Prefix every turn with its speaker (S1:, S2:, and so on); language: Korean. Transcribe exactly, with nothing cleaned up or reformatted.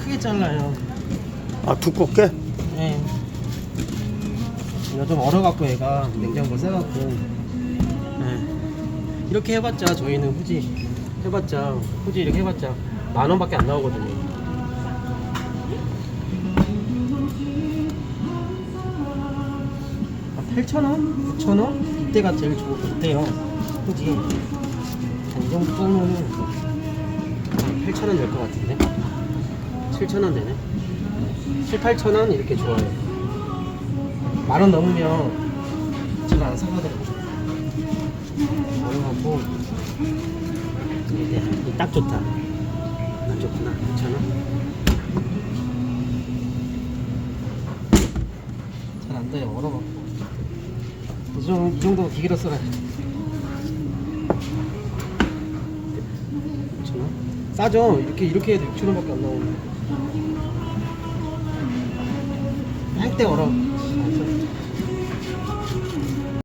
S1: 크게 잘라요.
S2: 아, 두껍게?
S1: 예. 이거 좀 얼어갖고 얘가 냉장고 세갖고. 예. 이렇게 해봤자 저희는 후지 해봤자 후지 이렇게 해봤자 만 원밖에 안 나오거든요. 팔천 원? 구천 원? 이때가 제일 좋, 좋대요. 후지. 이 정도 쏘면은 팔천 원 될 것 같은데? 칠천 원 되네. 칠, 팔천 원 이렇게 좋아요. 만 원 넘으면 제가 안 사가더라고요. 어려갖고 이게 딱 좋다. 안 좋구나. 구천 원? 잘 안 돼요. 얼어갖고. 이 정도, 이 정도 기계로 써라. 육천 원? 싸죠? 이렇게 이렇게 해도 육천 원밖에 안 나오는데. 할 때 얼어.